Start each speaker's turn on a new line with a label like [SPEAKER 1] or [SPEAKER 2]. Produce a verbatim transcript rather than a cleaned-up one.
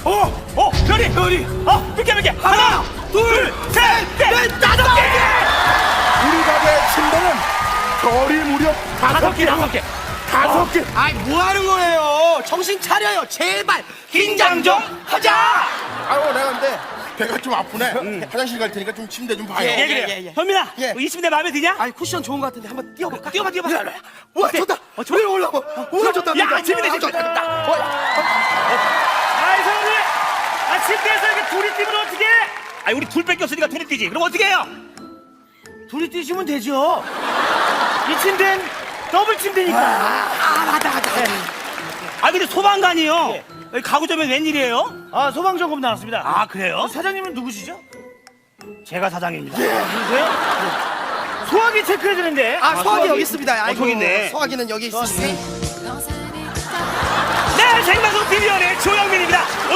[SPEAKER 1] 어, 어, 별이, 별이. 어, 몇 개, 몇 개? 하나, 둘, 셋, 넷, 다섯 개.
[SPEAKER 2] 우리 가게 침대는 별이 무려
[SPEAKER 1] 다섯 개, 다섯 개.
[SPEAKER 2] 다섯 개.
[SPEAKER 3] 아이 뭐 하는 거예요? 정신 차려요. 제발 긴장 좀 하자.
[SPEAKER 2] 아유 내가 근데 배가 좀 아프네. 화장실 갈 테니까 좀 침대 좀 봐요.
[SPEAKER 3] 예,
[SPEAKER 1] 예, 그래요.
[SPEAKER 3] 예, 예.
[SPEAKER 1] 현민아,
[SPEAKER 3] 예.
[SPEAKER 1] 이 침대 마음에 드냐?
[SPEAKER 3] 아이 쿠션 좋은 거 같은데 한번 뛰어볼까?
[SPEAKER 1] 뛰어봐, 뛰어봐.
[SPEAKER 2] 와
[SPEAKER 1] 어때?
[SPEAKER 2] 좋다.
[SPEAKER 1] 어, 좋아?
[SPEAKER 2] 왜 올라와? 오늘 좋다.
[SPEAKER 1] 야,
[SPEAKER 2] 좋다.
[SPEAKER 1] 재밌네,
[SPEAKER 2] 아, 좋다.
[SPEAKER 1] 재밌네.
[SPEAKER 2] 좋다. 어,
[SPEAKER 1] 아이, 성훈이. 아, 침대에서 이렇게 둘이 뛰면 어떡해? 아니, 우리 둘 뺏겼으니까 둘이 뛰지. 그럼 어떻게 해요?
[SPEAKER 3] 둘이 뛰시면 되죠. 이 침대는 더블 침대니까. 아 맞다 맞다.
[SPEAKER 1] 아, 근데 소방관이요. 여기 가구점에 웬일이에요?
[SPEAKER 4] 아 소방점검 나왔습니다.
[SPEAKER 1] 아, 그래요?
[SPEAKER 4] 사장님은 누구시죠?
[SPEAKER 1] 제가 사장입니다.
[SPEAKER 4] 누구세요? 소화기 체크해 주는데.
[SPEAKER 3] 아 소화기 여기 있습니다. 아이고,
[SPEAKER 1] 저기 있네.
[SPEAKER 3] 소화기는 여기 있습니다.
[SPEAKER 1] 네, 생방송 티비연의 조영민입니다.